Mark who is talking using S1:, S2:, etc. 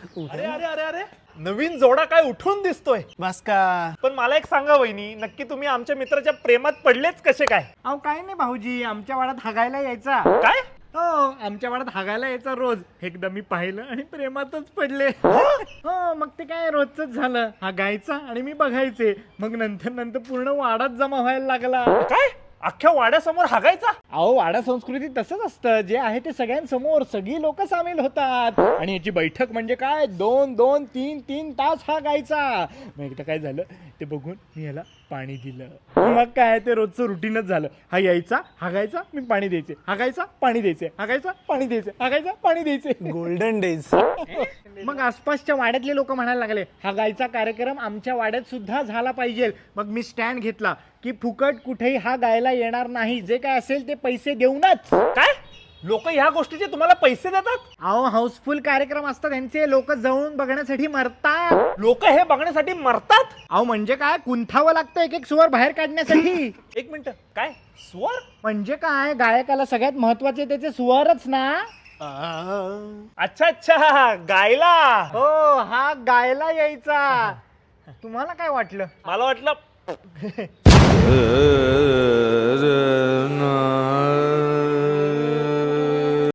S1: अरे अरे अरे अरे नवीन जोडा काय उठून दिसतोय.
S2: बस का?
S1: पण मला एक सांगा वहिनी, नक्की तुम्ही आमच्या मित्राच्या प्रेमात पडलेच कसे काय?
S2: अहो काय नाही भाऊजी, आमच्या वाड्यात हागायला यायचा.
S1: काय?
S2: हो, आमच्या वाड्यात हागायला यायचा रोज. एकदा मी पाहिलं आणि प्रेमातच पडले. हो, मग ते काय रोजच झालं. हागायचा आणि मी बघायचे. मग नंतर नंतर पूर्ण वाडाच जमा व्हायला लागला.
S1: काय अख्ख्या वाड्यासमोर हागायचा?
S2: अहो, वाडा संस्कृती तसंच असतं. जे आहे ते सगळ्यांसमोर सगळी लोक सामील होतात. आणि याची बैठक म्हणजे काय 2-2, 3-3 तास हा गायचा. मग एकदा काय झालं ते बघून मी याला पाणी दिलं. मग काय ते रोजचं रुटीनच झालं. हा यायचा, हागायचा, मी पाणी द्यायचे, हागायचा, पाणी द्यायचे, हागायचा, पाणी द्यायचे, हागायचा, पाणी द्यायचे.
S3: Golden days.
S2: मग आसपासच्या वाड्यातले लोक म्हणायला लागले, हा गायचा कार्यक्रम आमच्या वाड्यात सुद्धा झाला पाहिजे. मग मी स्टँड घेतला की फुकट कुठेही हा गायला येणार नाही. जे काय असेल ते पैसे देऊनच.
S1: काय लोक ह्या गोष्टीचे तुम्हाला पैसे देतात?
S2: अहो, हाऊसफुल कार्यक्रम असतात त्यांचे. लोक जाऊन बघण्यासाठी मरतात.
S1: लोक हे बघण्यासाठी मरतात?
S2: अहो म्हणजे काय, कुंथावं लागतं एक एक स्वर बाहेर काढण्यासाठी.
S1: एक मिनिट, काय स्वर?
S2: म्हणजे काय, गायकाला सगळ्यात महत्वाचे त्याचे स्वरच ना.
S1: अच्छा अच्छा, गायला.
S2: हो, हा गायला यायचा. तुम्हाला काय वाटलं?
S1: मला वाटलं